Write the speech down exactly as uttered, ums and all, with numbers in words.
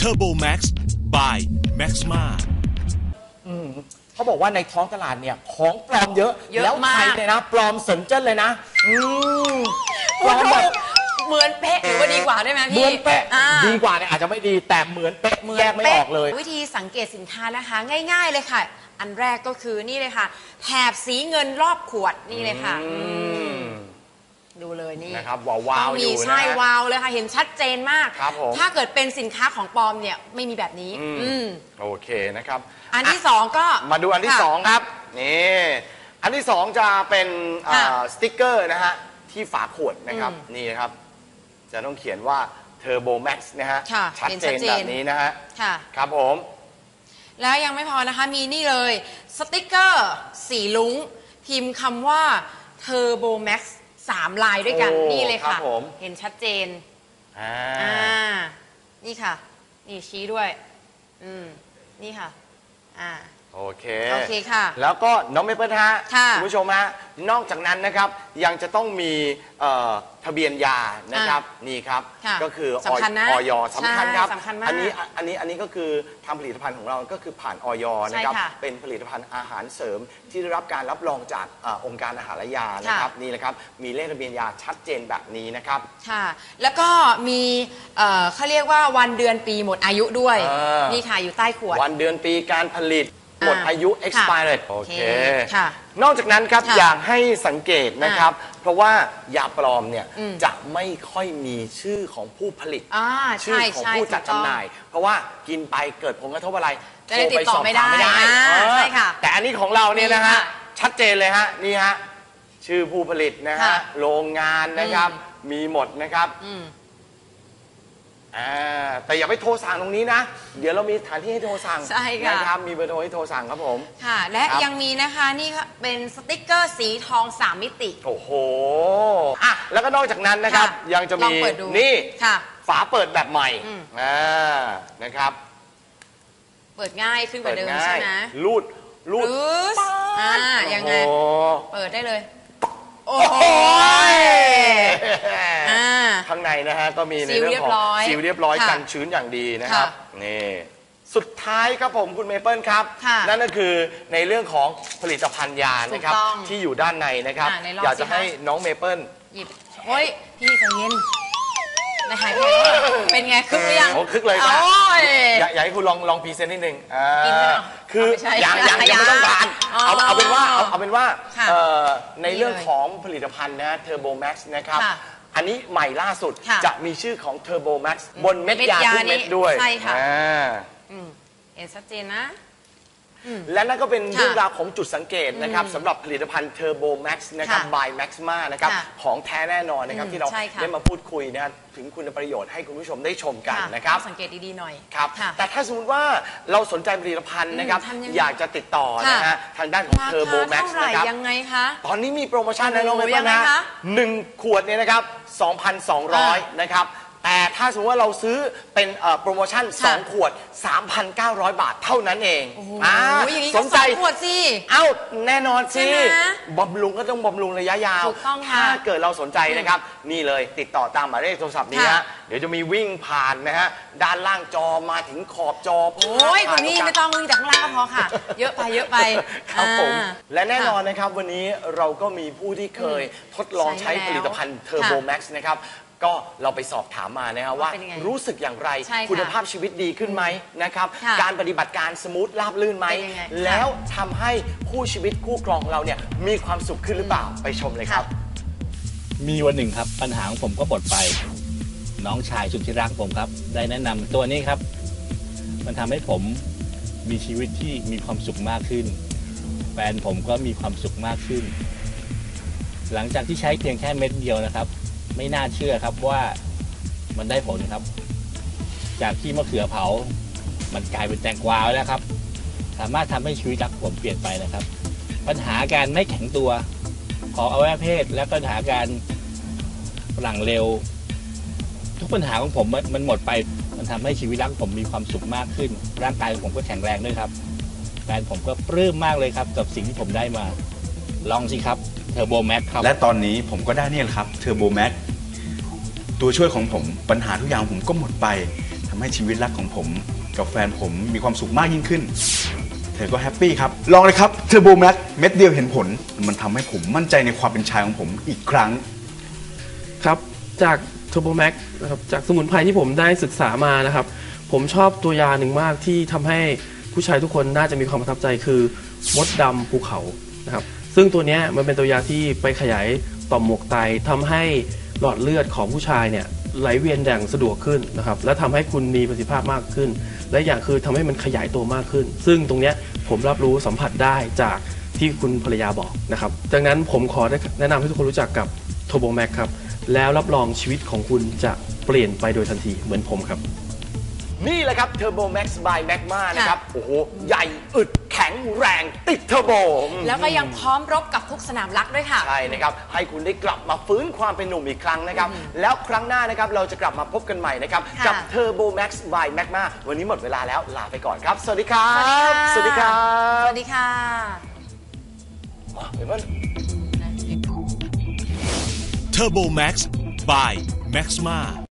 Turbo Max by Maxma เขาบอกว่าในท้องตลาดเนี่ยของปลอมเยอะเยอะแล้วไทยเนี่ยนะปลอมสนเจิ้นเลยนะอืมปลอมแบบเหมือนเป๊ะหรือว่าดีกว่าได้ไหมพี่เหมือนเป๊ะอ่าดีกว่าเนี่ยอาจจะไม่ดีแต่เหมือนเป๊ะแยกไม่ออกเลยวิธีสังเกตสินค้านะคะง่ายๆเลยค่ะ อันแรกก็คือนี่เลยค่ะแถบสีเงินรอบขวดนี่เลยค่ะดูเลยนี่นะครับวาวๆอยู่นะใช่วาวเลยค่ะเห็นชัดเจนมากครับผมถ้าเกิดเป็นสินค้าของปลอมเนี่ยไม่มีแบบนี้อืมโอเคนะครับอันที่สองก็มาดูอันที่สองครับนี่อันที่สองจะเป็นสติ๊กเกอร์นะฮะที่ฝาขวดนะครับนี่นะครับจะต้องเขียนว่า Turbo Max นะฮะชัดเจนแบบนี้นะฮะครับผมแล้วยังไม่พอนะคะมีนี่เลยสติ๊กเกอร์สีลุ้งพิมพ์คำว่า Turbo Max สามลายด้วยกันนี่เลยค่ะเห็นชัดเจนอ่านี่ค่ะนี่ชี้ด้วยอืมนี่ค่ะอ่าโอเคโอเคค่ะแล้วก็น้องเมเปิลฮะคุณผู้ชมฮะนอกจากนั้นนะครับยังจะต้องมีทะเบียนยานะครับนี่ครับก็คือออยสำคัญครับอันนี้อันนี้อันนี้ก็คือทำผลิตภัณฑ์ของเราก็คือผ่านออยนะครับเป็นผลิตภัณฑ์อาหารเสริมที่ได้รับการรับรองจากองค์การอาหารและยานะครับนี่แหละครับมีเลขทะเบียนยาชัดเจนแบบนี้นะครับค่ะแล้วก็มีเขาเรียกว่าวันเดือนปีหมดอายุด้วยนี่ค่ะอยู่ใต้ขวดวันเดือนปีการผลิตหมดอายุ expired โอเค นอกจากนั้นครับอยากให้สังเกตนะครับเพราะว่ายาปลอมเนี่ยจะไม่ค่อยมีชื่อของผู้ผลิตชื่อของผู้จัดจำหน่ายเพราะว่ากินไปเกิดผลกระทบอะไรโทรไปสอบถามไม่ได้ใช่ค่ะแต่อันนี้ของเราเนี่ยนะฮะชัดเจนเลยฮะนี่ฮะชื่อผู้ผลิตนะฮะโรงงานนะครับมีหมดนะครับแต่อย่าไปโทรสั่งตรงนี้นะเดี๋ยวเรามีสถานที่ให้โทรสั่งนะครับมีเบอร์โทรให้โทรสั่งครับผมค่ะและยังมีนะคะนี่เป็นสติ๊กเกอร์สีทองสามมิติโอ้โหอ่ะแล้วก็นอกจากนั้นนะครับยังจะมีนี่ฝาเปิดแบบใหม่อ่านะครับเปิดง่ายขึ้นกว่าเดิมใช่ไหมรูดรูดอ่ายังไงเปิดได้เลยโอ้โหข้างในนะฮะก็มีในเรื่องของซีลเรียบร้อยกันชื้นอย่างดีนะครับนี่สุดท้ายครับผมคุณเมเปิลครับนั่นก็คือในเรื่องของผลิตภัณฑ์ยานะครับที่อยู่ด้านในนะครับอยากจะให้น้องเมเปิลหยิบโอ้ยพี่ใจเย็นนะหายไปเป็นไงคึกหรือยังโอ้คึกเลยครับอยากให้คุณลองลองพรีเซนต์นิดนึงคืออย่างอย่างยังไม่ต้องทานเอาเอาเป็นว่าเอาเป็นว่าในเรื่องของผลิตภัณฑ์นะ Turbo Max นะครับอันนี้ใหม่ล่าสุดจะมีชื่อของ Turbo Max บนเม็ดยาทุกเม็ดด้วยใช่ค่ะเห็นชัดเจนนะและนั่นก็เป็นเรื่องราวของจุดสังเกตนะครับสำหรับผลิตภัณฑ์ Turbo Max นะครับ by Maxma นะครับของแท้แน่นอนนะครับที่เราได้มาพูดคุยนะถึงคุณประโยชน์ให้คุณผู้ชมได้ชมกันนะครับสังเกตดีๆหน่อยครับแต่ถ้าสมมติว่าเราสนใจผลิตภัณฑ์นะครับอยากจะติดต่อนะฮะทางด้านของ Turbo Max นะครับยังไงคะตอนนี้มีโปรโมชั่นนะน้องเมย์นะหนึ่งขวดเนี่ยนะครับ สองพันสองร้อย นะครับแต่ถ้าสมมติว่าเราซื้อเป็นโปรโมชั่นสองขวด สามพันเก้าร้อย บาทเท่านั้นเองสนใจขวดสิเอ้าแน่นอนสิบำรุงก็ต้องบำรุงระยะยาวถ้าเกิดเราสนใจนะครับนี่เลยติดต่อตามหมายเลขโทรศัพท์นี้ฮะเดี๋ยวจะมีวิ่งผ่านนะฮะด้านล่างจอมาถึงขอบจอโอ้ยคุณนี่ไม่ต้องวิ่งจากข้างล่างก็พอค่ะเยอะไปเยอะไปครับผมและแน่นอนนะครับวันนี้เราก็มีผู้ที่เคยทดลองใช้ผลิตภัณฑ์ Turbo Max นะครับก็เราไปสอบถามมานะครับว่ารู้สึกอย่างไรคุณภาพชีวิตดีขึ้นไหมนะครับการปฏิบัติการสมูทราบลื่นไหมแล้วทำให้คู่ชีวิตคู่ครองเราเนี่ยมีความสุขขึ้นหรือเปล่าไปชมเลยครับมีวันหนึ่งครับปัญหาของผมก็หมดไปน้องชายสุดที่รักผมครับได้แนะนำตัวนี้ครับมันทำให้ผมมีชีวิตที่มีความสุขมากขึ้นแฟนผมก็มีความสุขมากขึ้นหลังจากที่ใช้เพียงแค่เม็ดเดียวนะครับไม่น่าเชื่อครับว่ามันได้ผลครับจากที่มะเขือเผามันกลายเป็นแตงกวาแล้วครับสามารถทำให้ชีวิตรักผมเปลี่ยนไปนะครับปัญหาการไม่แข็งตัวของอวัยวะเพศและปัญหาการหลังเร็วทุกปัญหาของผมมันหมดไปมันทำให้ชีวิตรักผมมีความสุขมากขึ้นร่างกายของผมก็แข็งแรงด้วยครับแฟนผมก็ปลื้มมากเลยครับกับสิ่งที่ผมได้มาลองสิครับTurbo Max ครับและตอนนี้ผมก็ได้นี่แหละครับ Turbo Max ตัวช่วยของผมปัญหาทุกอย่างผมก็หมดไปทำให้ชีวิตรักของผมกับแฟนผมมีความสุขมากยิ่งขึ้นเธอก็แฮปปี้ครับลองเลยครับเทอร์โบแม็กเม็ดเดียวเห็นผลมันทำให้ผมมั่นใจในความเป็นชายของผมอีกครั้งครับจากเทอร์โบแม็กนะครับจากสมุนไพรที่ผมได้ศึกษามานะครับผมชอบตัวยาหนึ่งมากที่ทำให้ผู้ชายทุกคนน่าจะมีความประทับใจคือมดดำภูเขานะครับซึ่งตัวนี้มันเป็นตัวยาที่ไปขยายต่อมหมวกไตทำให้หลอดเลือดของผู้ชายเนี่ยไหลเวียนอย่างสะดวกขึ้นนะครับและทำให้คุณมีประสิทธิภาพมากขึ้นและอย่างคือทำให้มันขยายตัวมากขึ้นซึ่งตรงนี้ผมรับรู้สัมผัสได้จากที่คุณภรรยาบอกนะครับดังนั้นผมขอแนะนำให้ทุกคนรู้จักกับโทโบแม็กครับแล้วรับรองชีวิตของคุณจะเปลี่ยนไปโดยทันทีเหมือนผมครับนี่แหละครับ Turbo Max by Magma นะครับโอ้โหใหญ่อึดแข็งแรงติดเทอร์โบแล้วก็ยังพร้อมรบกับทุกสนามรักด้วยค่ะใช่นะครับให้คุณได้กลับมาฟื้นความเป็นหนุ่มอีกครั้งนะครับแล้วครั้งหน้านะครับเราจะกลับมาพบกันใหม่นะครับกับ Turbo Max by Magma วันนี้หมดเวลาแล้วลาไปก่อนครับสวัสดีครับสวัสดีครับสวัสดีค่ะ Turbo Max by Maxma